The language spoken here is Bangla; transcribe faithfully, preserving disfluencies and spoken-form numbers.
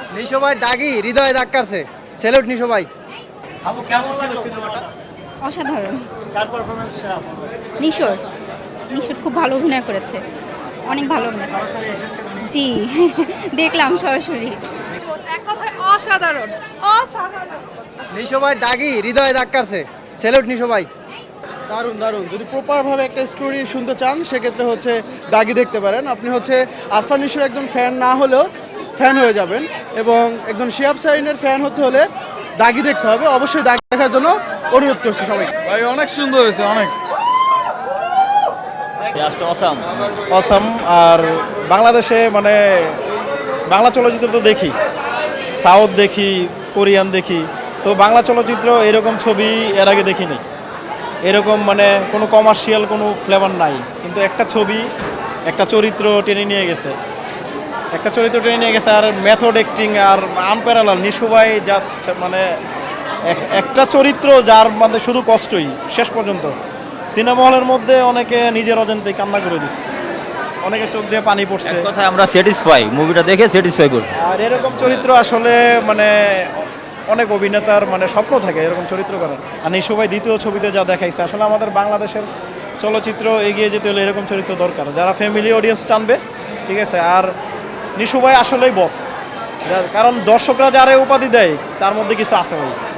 নিশো ভাই দাগি হৃদয়ে দাগ কাটছে। স্যালুট নিশো ভাই। আপু কেমন ছিল সিনেমাটা? অসাধারণ। কার পারফরম্যান্স সেরা? নিশোর নিশোর খুব ভালো অভিনয় করেছে, অনেক ভালো অভিনয়। সরাসরি এসেছেন উনি? জি দেখলাম সরাসরি। এক কথায় অসাধারণ অসাধারণ। নিশো ভাই দাগি হৃদয়ে দাগ কাটছে। স্যালুট নিশো ভাই। দারুণ দারুণ যদি প্রপারভাবে একটা স্টোরি শুনতে চান সেক্ষেত্রে হচ্ছে দাগি দেখতে পারেন। আপনি হচ্ছে আরফান নিশোর একজন ফ্যান না হলেও ফ্যান হয়ে যাবেন, এবং একজন শিহাব শাহীনের ফ্যান হতে হলে দাগি দেখতে হবে। অবশ্যই দাগি দেখার জন্য অনুরোধ করছি সবাইকে। ভাই অনেক সুন্দর হয়েছে, অনেক জাস্ট অসাম। অসাম। আর বাংলাদেশে মানে বাংলা চলচ্চিত্র তো দেখি, সাউথ দেখি, কোরিয়ান দেখি, তো বাংলা চলচ্চিত্র এরকম ছবি এর আগে দেখিনি। এরকম মানে কোনো কমার্শিয়াল কোনো ফ্লেভার নাই, কিন্তু একটা ছবি একটা চরিত্র টেনে নিয়ে গেছে, একটা চরিত্র টেনে নিয়ে গেছে। আর মেথড অ্যাক্টিং আর আনপ্যারালাল। নিশো ভাই জাস্ট মানে এক- একটা চরিত্র যার মানে শুধু কষ্টই শেষ পর্যন্ত। সিনেমা হলের মধ্যে অনেকে নিজের অজান্তে কান্না করে দিচ্ছে, অনেকে চোখ দিয়ে পানি পড়ছে। এক কথায় আমরা স্যাটিসফাই, মুভিটা দেখে স্যাটিসফাই করি। আর এরকম চরিত্র আসলে মানে অনেক অভিনেতার মানে স্বপ্ন থাকে এরকম চরিত্র করার। আর নিশো ভাই দ্বিতীয় ছবিতে যা দেখাইছে, আসলে আমাদের বাংলাদেশের চলচ্চিত্র এগিয়ে যেতে হলে এরকম চরিত্র দরকার, যারা ফ্যামিলি অডিয়েন্স টানবে, ঠিক আছে। আর নিশো ভাই আসলেই বস, কারণ দর্শকরা যারা উপাধি দেয় তার মধ্যে কিছু আছে ভাই।